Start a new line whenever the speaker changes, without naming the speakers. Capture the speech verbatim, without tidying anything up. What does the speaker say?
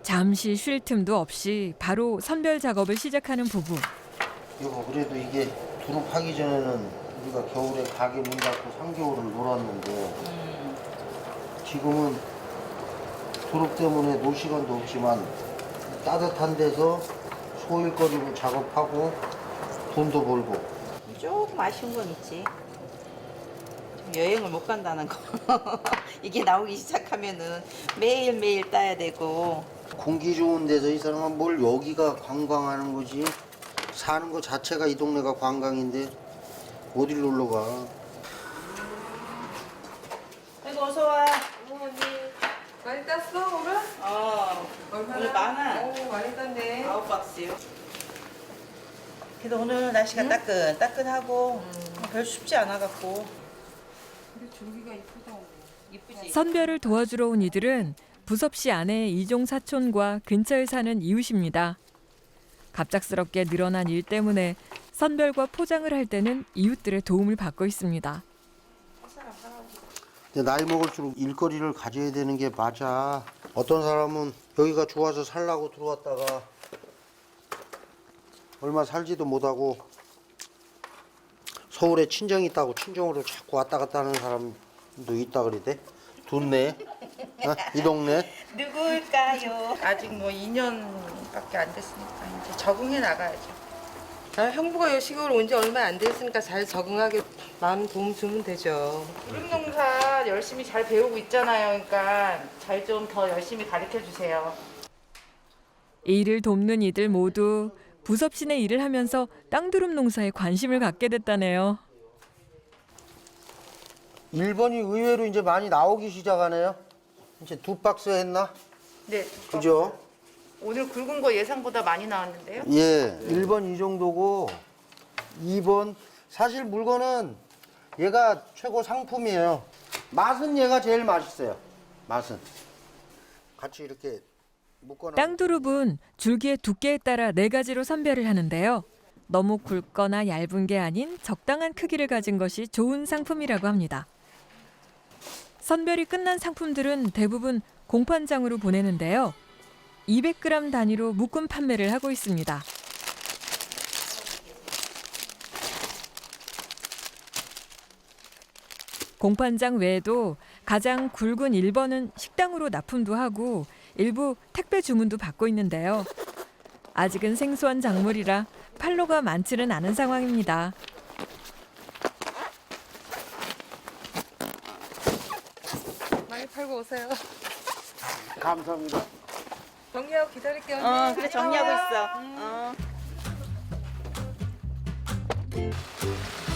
잠시 쉴 틈도 없이 바로 선별 작업을 시작하는 부부.
이거 그래도 이게 두릅하기 전에는 우리가 겨울에 가게 문 닫고 삼 개월을 놀았는데 지금은 두릅 때문에 놀 시간도 없지만 따뜻한 데서 소일거리로 작업하고 돈도 벌고.
조금 아쉬운 건 있지. 여행을 못 간다는 거. 이게 나오기 시작하면은 매일매일 따야 되고.
공기 좋은 데서 이 사람은 뭘 여기가 관광하는 거지. 사는 거 자체가 이 동네가 관광인데 어딜 놀러 가.
아이고 어서 와.
어머니 많이 땄어 오늘?
어. 오늘 많아.
오 많이 땄네.
아홉 박스요. 그래도 오늘 날씨가 따끈 따끈하고 별 춥지 않아 갖고.
근데 줄기가 이쁘다.
이쁘지.
선별을 도와주러 온 이들은 부섭 씨 아내 이종 사촌과 근처에 사는 이웃입니다. 갑작스럽게 늘어난 일 때문에 선별과 포장을 할 때는 이웃들의 도움을 받고 있습니다.
근데 나이 먹을수록 일거리를 가져야 되는 게 맞아. 어떤 사람은 여기가 좋아서 살라고 들어왔다가 얼마 살지도 못하고 서울에 친정이 있다고 친정으로 자꾸 왔다 갔다 하는 사람도 있다 그러대. 좋네. 어? 이 동네.
누굴까요? 아직 뭐 이 년밖에 안 됐으니까 이제 적응해 나가야죠.
아, 형부가 여 시골 온 지 얼마 안 됐으니까 잘 적응하게 마음 도움 주면 되죠.
두릅 농사 열심히 잘 배우고 있잖아요. 그러니까 잘 좀 더 열심히 가르쳐 주세요.
일을 돕는 이들 모두 부섭 씨네 일을 하면서 땅두릅 농사에 관심을 갖게 됐다네요.
일 번이 의외로 이제 많이 나오기 시작하네요. 이제 두 박스 했나?
네.
그죠?
오늘 굵은 거 예상보다 많이 나왔는데요.
예. 일 번 이 정도고 이 번 사실 물건은 얘가 최고 상품이에요. 맛은 얘가 제일 맛있어요. 맛은. 같이 이렇게 묶어놔.
땅두릅은 줄기의 두께에 따라 네 가지로 선별을 하는데요. 너무 굵거나 얇은 게 아닌 적당한 크기를 가진 것이 좋은 상품이라고 합니다. 선별이 끝난 상품들은 대부분 공판장으로 보내는데요. 이백 그램 단위로 묶음 판매를 하고 있습니다. 공판장 외에도 가장 굵은 일 번은 식당으로 납품도 하고 일부 택배 주문도 받고 있는데요. 아직은 생소한 작물이라 팔로가 많지는 않은 상황입니다.
많이 팔고 오세요.
감사합니다.
정리하고 기다릴게요.
어, 그래 정리하고 있어. 어.